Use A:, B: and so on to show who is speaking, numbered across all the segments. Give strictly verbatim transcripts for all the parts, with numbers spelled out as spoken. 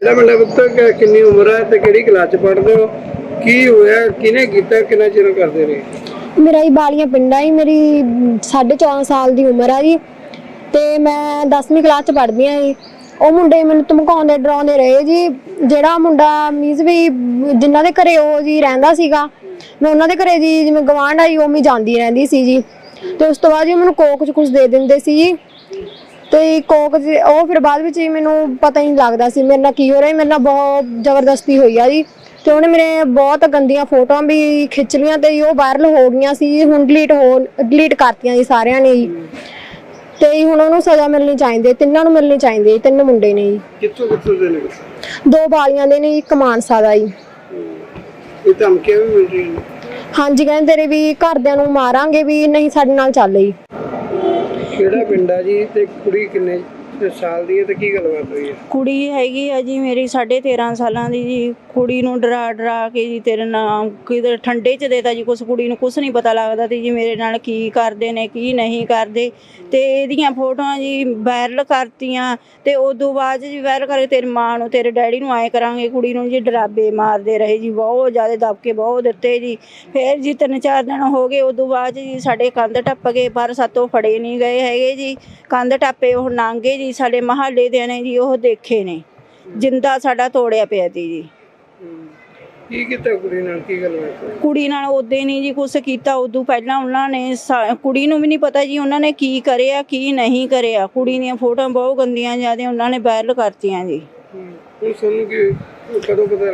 A: मेरा पुत्र कितनी उम्र है ते केड़ी क्लास च पढ़दे हो की होया किने कीता किन्ना चिर करदे रहे।
B: मेरा ही बालियां पिंड है, मेरी साढ़े चौदह साल की उम्र है जी ते मैं दसवीं क्लास च पढ़दी हाँ जी। ਉਹ ਮੁੰਡੇ ਮੈਨੂੰ ਧਮਕਾਉਂਦੇ ਡਰਾਉਂਦੇ ਰਹੇ ਜੀ। ਜਿਹੜਾ ਮੁੰਡਾ ਮੀਜ਼ ਵੀ ਜਿਨ੍ਹਾਂ ਦੇ ਘਰੇ ਉਹ ਜੀ ਰਹਿੰਦਾ ਸੀਗਾ, ਮੈਂ ਉਹਨਾਂ ਦੇ ਘਰੇ ਜੀ ਜਿਵੇਂ ਗਵਾਂਢ ਆਈ ਉਹ ਮੈਂ ਜਾਂਦੀ ਰਹਿੰਦੀ ਸੀ ਜੀ। ਤੇ ਉਸ ਤੋਂ ਬਾਅਦ ਜੀ ਮੈਨੂੰ ਕੋਕ ਚ ਕੁਝ ਦੇ ਦਿੰਦੇ ਸੀ ਜੀ। ਤੇ ਕੋਕ ਚ ਉਹ ਫਿਰ ਬਾਅਦ ਵਿੱਚ ਮੈਨੂੰ ਪਤਾ ਹੀ ਨਹੀਂ ਲੱਗਦਾ ਸੀ ਮੇਰੇ ਨਾਲ ਕੀ ਹੋ ਰਿਹਾ। ਮੇਰੇ ਨਾਲ ਬਹੁਤ ਜ਼ਬਰਦਸਤੀ ਹੋਈ ਆ ਜੀ ਤੇ ਉਹਨੇ ਮੇਰੇ ਬਹੁਤ ਗੰਦੀਆਂ ਫੋਟੋਆਂ ਵੀ ਖਿੱਚ ਲਈਆਂ ਤੇ ਉਹ ਵਾਇਰਲ ਹੋ ਗਈਆਂ ਸੀ। ਹੁਣ ਡਿਲੀਟ ਹੋ ਡਿਲੀਟ ਕਰਤੀਆਂ ਜੀ ਸਾਰਿਆਂ ਨੇ ਜੀ। ਤੇ ਹੁਣ ਉਹਨੂੰ ਸਜ਼ਾ ਮਿਲਣੀ ਚਾਹੀਦੀ, ਤਿੰਨਾਂ ਨੂੰ ਮਿਲਣੀ ਚਾਹੀਦੀ। ਤਿੰਨ ਮੁੰਡੇ ਨੇ ਜੀ।
A: ਕਿੱਥੋਂ ਕਿੱਥੋਂ ਦੇ ਨੇ?
B: ਦੋ ਬਾਲੀਆਂ ਦੇ ਨੇ, ਇੱਕ ਮਾਨਸਾ ਦਾ ਜੀ।
A: ਇਹ ਧਮਕੀਆਂ ਵੀ ਮਿਲ ਰਹੀਆਂ ਨੇ?
B: ਹਾਂਜੀ, ਕਹਿੰਦੇ ਤੇਰੇ ਵੀ ਘਰਦਿਆਂ ਨੂੰ ਮਾਰਾਂਗੇ ਵੀ ਨਹੀਂ ਸਾਡੇ ਨਾਲ ਚੱਲ ਜੀ।
A: ਕਿਹੜਾ ਪਿੰਡ ਆ ਜੀ ਤੇ ਕੁੜੀ ਕਿੰਨੇ ਸਾਲ ਦੀ ਹੈ ਤੇ ਕੀ ਗੱਲਬਾਤ ਹੋਈ ਹੈ?
C: ਕੁੜੀ ਹੈਗੀ ਆ ਜੀ ਮੇਰੀ ਸਾਢੇ ਤੇਰਾਂ ਸਾਲਾਂ ਦੀ ਜੀ। ਕੁੜੀ ਨੂੰ ਡਰਾ ਡਰਾ ਕੇ ਜੀ ਤੇਰੇ ਨਾਮ ਕਿਤੇ ਠੰਡੇ 'ਚ ਦੇਤਾ ਜੀ ਕੁਛ। ਕੁੜੀ ਨੂੰ ਕੁਛ ਨਹੀਂ ਪਤਾ ਲੱਗਦਾ ਤੇ ਜੀ ਮੇਰੇ ਨਾਲ ਕੀ ਕਰਦੇ ਨੇ ਕੀ ਨਹੀਂ ਕਰਦੇ। ਤੇ ਇਹਦੀਆਂ ਫੋਟੋਆਂ ਜੀ ਵਾਇਰਲ ਕਰਤੀਆਂ ਤੇ ਉਦੋਂ ਬਾਅਦ ਜੀ ਵਾਇਰਲ ਕਰਕੇ ਤੇਰੀ ਮਾਂ ਨੂੰ ਤੇਰੇ ਡੈਡੀ ਨੂੰ ਆਏ ਕਰਾਂਗੇ। ਕੁੜੀ ਨੂੰ ਜੀ ਡਰਾਬੇ ਮਾਰਦੇ ਰਹੇ ਜੀ, ਬਹੁਤ ਜ਼ਿਆਦਾ ਦਬਕੇ ਬਹੁਤ ਦਿੱਤੇ ਜੀ। ਫਿਰ ਜੀ ਤਿੰਨ ਚਾਰ ਦਿਨ ਹੋ ਗਏ ਉਦੋਂ ਬਾਅਦ ਜੀ ਸਾਡੇ ਕੰਧ ਟੱਪ ਗਏ ਪਰ ਸਾਤੋਂ ਫੜੇ ਨਹੀਂ ਗਏ ਹੈਗੇ ਜੀ। ਕੰਧ ਟੱਪੇ ਉਹ ਨਾਂਗੇ ਜੀ ਸਾਡੇ ਮਹੱਲੇ ਦੇ ਨੇ ਜੀ, ਉਹ ਦੇਖੇ ਨੇ ਜਿੰਦਾ ਸਾਡਾ ਤੋੜਿਆ ਪਿਆ ਤੀ ਜੀ।
A: ਕੀ ਕੀਤਾ ਕੁੜੀ ਨਾਲ, ਕੀ ਗੱਲਬਾਤ?
C: ਕੁੜੀ ਨਾਲ ਉਦੋਂ ਨਹੀਂ ਜੀ ਕੁਛ ਕੀਤਾ। ਉਦੋਂ ਪਹਿਲਾਂ ਉਹਨਾਂ ਨੇ ਕੁੜੀ ਨੂੰ ਵੀ ਨਹੀਂ ਪਤਾ ਜੀ ਉਹਨਾਂ ਨੇ ਕੀ ਕਰਿਆ ਕੀ ਨਹੀਂ ਕਰਿਆ। ਕੁੜੀ ਦੀਆਂ ਫੋਟੋਆਂ ਬਹੁਤ ਗੰਦੀਆਂ ਜ਼ਿਆਦਾ ਉਹਨਾਂ ਨੇ ਵਾਇਰਲ ਕਰਤੀਆਂ ਜੀ।
A: ਹੁਣ ਸਾਨੂੰ ਕੀ ਕਦੋਂ ਪਤਾ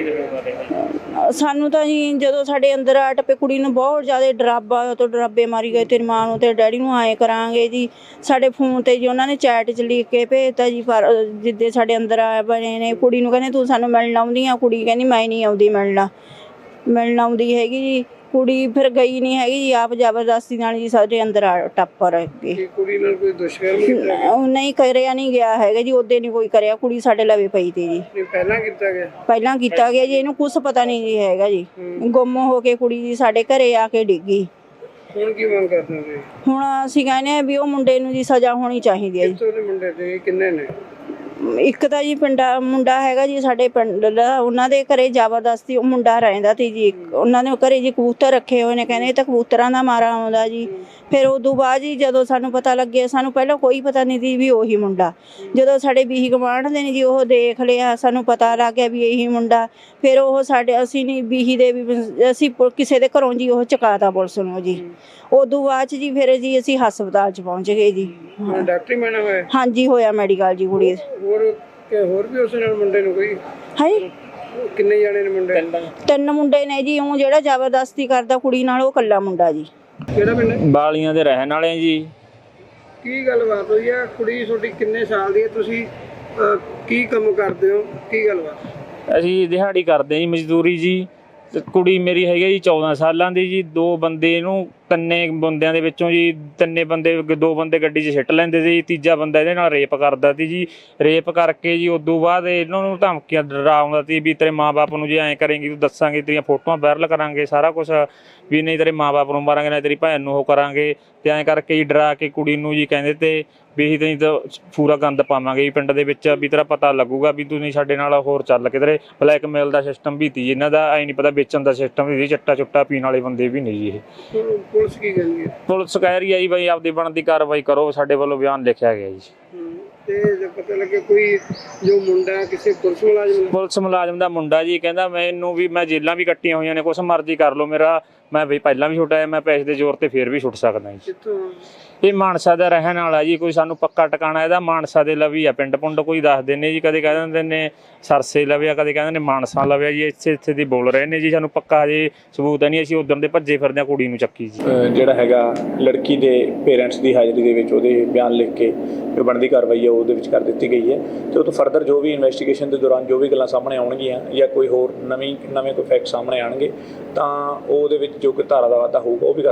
A: ਲੱਗਿਆ?
C: ਸਾਨੂੰ ਤਾਂ ਜੀ ਜਦੋਂ ਸਾਡੇ ਅੰਦਰ ਆ ਟੱਪੇ ਕੁੜੀ ਨੂੰ ਬਹੁਤ ਜ਼ਿਆਦਾ ਡਰਾਬਾ ਤੋਂ ਡਰਾਬੇ ਮਾਰੀ ਗਏ। ਤੇਰੀ ਮਾਂ ਨੂੰ ਤੇ ਡੈਡੀ ਨੂੰ ਆਏ ਕਰਾਂਗੇ ਜੀ। ਸਾਡੇ ਫੋਨ ਤੇ ਜੀ ਉਹਨਾਂ ਨੇ ਚੈਟ 'ਚ ਲਿਖ ਕੇ ਭੇਜਤਾ ਜੀ। ਪਰ ਜਿੱਦੇ ਸਾਡੇ ਅੰਦਰ ਆ ਬਣੇ ਨੇ ਕੁੜੀ ਨੂੰ ਕਹਿੰਦੇ ਤੂੰ ਸਾਨੂੰ ਮਿਲਣ ਆਉਂਦੀ ਆ। ਕੁੜੀ ਕਹਿੰਦੀ ਮੈਂ ਨਹੀਂ ਆਉਂਦੀ ਮਿਲਣਾ ਮਿਲਣ ਆਉਂਦੀ ਹੈਗੀ ਜੀ। ਕੁੜੀ ਫਿਰ ਗਈ ਨਹੀਂ ਹੈਗੀ ਜੀ, ਆਪ ਜ਼ਬਰਦਸਤੀ ਨਾਲ ਜੀ ਸਾਡੇ ਅੰਦਰ ਆ ਟੱਪ ਰਹੇ।
A: ਕੁੜੀ ਨਾਲ ਕੋਈ ਦੁਸ਼ਕਰਮ ਕੀਤਾ?
C: ਨਹੀਂ ਕਰਿਆ ਨਹੀਂ ਗਿਆ ਹੈਗਾ ਜੀ, ਉਹਦੇ ਨਹੀਂ ਕੋਈ ਕਰਿਆ। ਕੁੜੀ ਸਾਡੇ ਲਵੇ ਪਈ ਤੀ ਜੀ।
A: ਪਹਿਲਾਂ ਕੀਤਾ ਗਿਆ?
C: ਪਹਿਲਾਂ ਕੀਤਾ ਗਿਆ ਜੀ। ਇਹਨੂੰ ਕੁਛ ਪਤਾ ਨਹੀਂ ਜੀ ਹੈਗਾ ਜੀ। ਗੁੰਮ ਹੋ ਕੇ ਕੁੜੀ ਜੀ ਸਾਡੇ ਘਰੇ ਆ ਕੇ ਡਿੱਗੀ।
A: ਹੁਣ ਕੀ ਮੰਗ ਕਰਦੇ ਹੋ?
C: ਹੁਣ ਅਸੀਂ ਕਹਿੰਦੇ ਆ ਵੀ ਉਹ ਮੁੰਡੇ ਨੂੰ ਜੀ ਸਜ਼ਾ ਹੋਣੀ ਚਾਹੀਦੀ ਹੈ ਜੀ।
A: ਕਿੱਥੋਂ ਦੇ ਮੁੰਡੇ ਤੇ ਕਿੰਨੇ ਨੇ?
C: ਇੱਕ ਤਾਂ ਜੀ ਪਿੰਡਾ ਮੁੰਡਾ ਹੈਗਾ ਜੀ ਸਾਡੇ ਪਿੰਡ ਦਾ, ਉਹਨਾਂ ਦੇ ਘਰੇ ਜ਼ਬਰਦਸਤੀ ਉਹ ਮੁੰਡਾ ਰਹਿੰਦਾ ਤੀ ਜੀ। ਉਹਨਾਂ ਨੇ ਘਰੇ ਜੀ ਕਬੂਤਰ ਰੱਖੇ ਹੋਏ ਨੇ, ਕਹਿੰਦੇ ਇਹ ਤਾਂ ਕਬੂਤਰਾਂ ਦਾ ਮਾਰਾ ਆਉਂਦਾ ਜੀ। ਫਿਰ ਉਦੋਂ ਬਾਅਦ ਜੀ ਜਦੋਂ ਸਾਨੂੰ ਪਤਾ ਲੱਗਿਆ, ਸਾਨੂੰ ਪਹਿਲਾਂ ਕੋਈ ਪਤਾ ਨਹੀਂ ਸੀ ਵੀ ਉਹੀ ਮੁੰਡਾ। ਜਦੋਂ ਸਾਡੇ ਬੀਹੀ ਗਵਾਂਢ ਦੇ ਨੇ ਜੀ ਉਹ ਦੇਖ ਲਿਆ, ਸਾਨੂੰ ਪਤਾ ਲੱਗ ਗਿਆ ਵੀ ਇਹੀ ਮੁੰਡਾ। ਫਿਰ ਉਹ ਸਾਡੇ ਅਸੀਂ ਨਹੀਂ ਬੀਹੀ ਦੇ ਵੀ ਅਸੀਂ ਕਿਸੇ ਦੇ ਘਰੋਂ ਜੀ ਉਹ ਚੁਕਾਤਾ ਪੁਲਿਸ ਨੂੰ ਜੀ। ਉਦੋਂ ਬਾਅਦ ਜੀ ਫਿਰ ਜੀ ਅਸੀਂ ਹਸਪਤਾਲ 'ਚ ਪਹੁੰਚ ਗਏ ਜੀ।
A: ਡਾਕਟਰੀ ਮੈਨਾਂ ਹੋਇਆ?
C: ਹਾਂਜੀ ਹੋਇਆ ਮੈਡੀਕਲ ਜੀ ਕੁੜੀ।
A: ਹੋਰ ਕਿ ਹੋਰ ਵੀ ਉਸ ਨਾਲ ਮੁੰਡੇ ਨੂੰ ਕੋਈ
C: ਹੈ?
A: ਕਿੰਨੇ ਜਾਣੇ ਨੇ ਮੁੰਡੇ?
C: ਤਿੰਨ ਮੁੰਡੇ ਨੇ ਜੀ। ਉਹ ਜਿਹੜਾ ਜ਼ਬਰਦਸਤੀ ਕਰਦਾ ਕੁੜੀ ਨਾਲ ਉਹ ਇਕੱਲਾ ਮੁੰਡਾ ਜੀ।
A: ਕਿਹੜਾ ਪਿੰਡ?
D: ਬਾਲੀਆਂ ਦੇ ਰਹਿਣ ਵਾਲੇ ਆ ਜੀ।
A: ਕੀ ਗੱਲਬਾਤ ਹੋਈ ਆ? ਕੁੜੀ ਤੁਹਾਡੀ ਕਿੰਨੇ ਸਾਲ ਦੀ ਹੈ? ਤੁਸੀਂ ਕੀ ਕੰਮ ਕਰਦੇ ਹੋ? ਕੀ ਗੱਲਬਾਤ?
D: ਅਸੀਂ ਦਿਹਾੜੀ ਕਰਦੇ ਜੀ, ਮਜ਼ਦੂਰੀ ਜੀ। ਤੇ ਕੁੜੀ ਮੇਰੀ ਹੈਗੀ ਜੀ ਚੌਦਾਂ ਸਾਲਾਂ ਦੀ ਜੀ। ਦੋ ਬੰਦੇ ਇਹਨੂੰ ਤਿੰਨੇ ਬੰਦਿਆਂ ਦੇ ਵਿੱਚੋਂ ਜੀ ਤਿੰਨੇ ਬੰਦੇ ਦੋ ਬੰਦੇ ਗੱਡੀ 'ਚ ਸਿੱਟ ਲੈਂਦੇ ਸੀ। ਤੀਜਾ ਬੰਦਾ ਇਹਦੇ ਨਾਲ ਰੇਪ ਕਰਦਾ ਸੀ ਜੀ। ਰੇਪ ਕਰਕੇ ਜੀ ਉਦੋਂ ਬਾਅਦ ਇਹਨਾਂ ਨੂੰ ਧਮਕੀਆਂ ਡਰਾਉਂਦਾ ਸੀ ਵੀ ਤੇਰੇ ਮਾਂ ਬਾਪ ਨੂੰ ਜੇ ਐਂ ਕਰੇਂਗੀ ਤੂੰ ਦੱਸਾਂਗੇ, ਤੇਰੀਆਂ ਫੋਟੋਆਂ ਵਾਇਰਲ ਕਰਾਂਗੇ, ਸਾਰਾ ਕੁਛ ਵੀ ਨਹੀਂ ਤੇਰੇ ਮਾਂ ਬਾਪ ਨੂੰ ਮਾਰਾਂਗੇ ਨਾ ਤੇਰੀ ਭੈਣ ਨੂੰ ਉਹ ਕਰਾਂਗੇ। ਤੇ ਐਂ ਕਰਕੇ ਜੀ ਡਰਾ ਕੇ ਕੁੜੀ ਨੂੰ ਜੀ ਕਹਿੰਦੇ ਤੇ ਵੀ ਅਸੀਂ ਤੈਨੂੰ ਤਾਂ ਪੂਰਾ ਗੰਦ ਪਾਵਾਂਗੇ ਜੀ ਪਿੰਡ ਦੇ ਵਿੱਚ, ਵੀ ਤੇਰਾ ਪਤਾ ਲੱਗੂਗਾ ਵੀ ਤੂੰ ਨਹੀਂ ਸਾਡੇ ਨਾਲ ਹੋਰ ਚੱਲ ਕਿਧਰੇ। ਬਲੈਕਮੇਲ ਦਾ ਸਿਸਟਮ ਵੀ ਤੀ ਇਹਨਾਂ ਦਾ, ਐਂ ਨਹੀਂ ਪਤਾ ਵੇਚਣ ਦਾ ਸਿਸਟਮ ਵੀ ਸੀ। ਚੱਟਾ ਚੁੱਟਾ ਪੀਣ ਵਾਲੇ ਬੰਦੇ ਵੀ ਨਹੀਂ ਜੀ ਇਹ।
A: ਪੁਲਿਸ ਕੀ ਕਹਿੰਦੀ ਹੈ?
D: ਪੁਲਿਸ ਕਹਿ ਰਹੀ ਹੈ ਜੀ ਬਈ ਆਪਦੀ ਬਣਦੀ ਕਾਰਵਾਈ ਕਰੋ। ਸਾਡੇ ਵੱਲੋਂ ਬਿਆਨ ਲਿਖਿਆ ਗਿਆ ਜੀ।
A: ਤੇ ਜੇ ਪਤਾ ਲੱਗੇ ਕੋਈ ਜੋ ਮੁੰਡਾ ਕਿਸੇ ਪੁਲਿਸ ਮੁਲਾਜ਼ਮ
D: ਪੁਲਿਸ ਮੁਲਾਜ਼ਮ ਦਾ ਮੁੰਡਾ ਜੀ ਕਹਿੰਦਾ ਮੈਨੂੰ ਵੀ ਮੈਂ ਜੇਲਾਂ ਵੀ ਕੱਟੀਆਂ ਹੋਈਆਂ ਨੇ, ਕੁਛ ਮਰਜ਼ੀ ਕਰ ਲਓ ਮੇਰਾ, ਮੈਂ ਵੀ ਪਹਿਲਾਂ ਵੀ ਛੁੱਟਿਆ, ਮੈਂ ਪੈਸੇ ਦੇ ਜ਼ੋਰ ਤੇ ਫੇਰ ਵੀ ਛੁੱਟ ਸਕਦਾ ਜੀ।
A: ਕਿੱਥੋਂ?
D: ਇਹ ਮਾਨਸਾ ਦਾ ਰਹਿਣ ਵਾਲਾ ਜੀ। ਕੋਈ ਸਾਨੂੰ ਪੱਕਾ ਟਿਕਾਣਾ ਇਹਦਾ ਮਾਨਸਾ ਦੇ ਲਵੀ ਆ। ਪਿੰਡ ਪੁੰਡ ਕੋਈ ਦੱਸਦੇ ਨੇ ਜੀ, ਕਦੇ ਕਹਿ ਦਿੰਦੇ ਨੇ ਸਰਸੇ ਲਵਿਆ, ਕਦੇ ਕਹਿੰਦੇ ਨੇ ਮਾਨਸਾ ਲਵਿਆ ਜੀ। ਇੱਥੇ ਇੱਥੇ ਦੀ ਬੋਲ ਰਹੇ ਨੇ ਜੀ। ਸਾਨੂੰ ਪੱਕਾ ਹਜੇ ਸਬੂਤ ਨਹੀਂ। ਅਸੀਂ ਉਦੋਂ ਦੇ ਭੱਜੇ ਫਿਰਦੇ ਹਾਂ ਕੁੜੀ ਨੂੰ ਚੱਕੀ ਜੀ।
E: ਜਿਹੜਾ ਹੈਗਾ ਲੜਕੀ ਦੇ ਪੇਰੈਂਟਸ ਦੀ ਹਾਜ਼ਰੀ ਦੇ ਵਿੱਚ ਉਹਦੇ ਬਿਆਨ ਲਿਖ ਕੇ ਜੋ ਬਣਦੀ ਕਾਰਵਾਈ ਹੈ ਉਹਦੇ ਵਿੱਚ ਕਰ ਦਿੱਤੀ ਗਈ ਹੈ। ਤੇ ਉਹ ਤੋਂ ਫਰਦਰ ਜੋ ਵੀ ਇਨਵੈਸਟੀਗੇਸ਼ਨ ਦੇ ਦੌਰਾਨ ਜੋ ਵੀ ਗੱਲਾਂ ਸਾਹਮਣੇ ਆਉਣਗੀਆਂ ਜਾਂ ਕੋਈ ਹੋਰ ਨਵੀਂ ਨਵੇਂ ਕੋਈ ਫੈਕਟ ਸਾਹਮਣੇ ਆਉਣਗੇ ਤਾਂ ਉਹਦੇ ਵਿੱਚ ਜੋ ਕੋਈ ਧਾਰਾ ਦਾ ਵਾਧਾ ਹੋਊਗਾ ਉਹ ਵੀ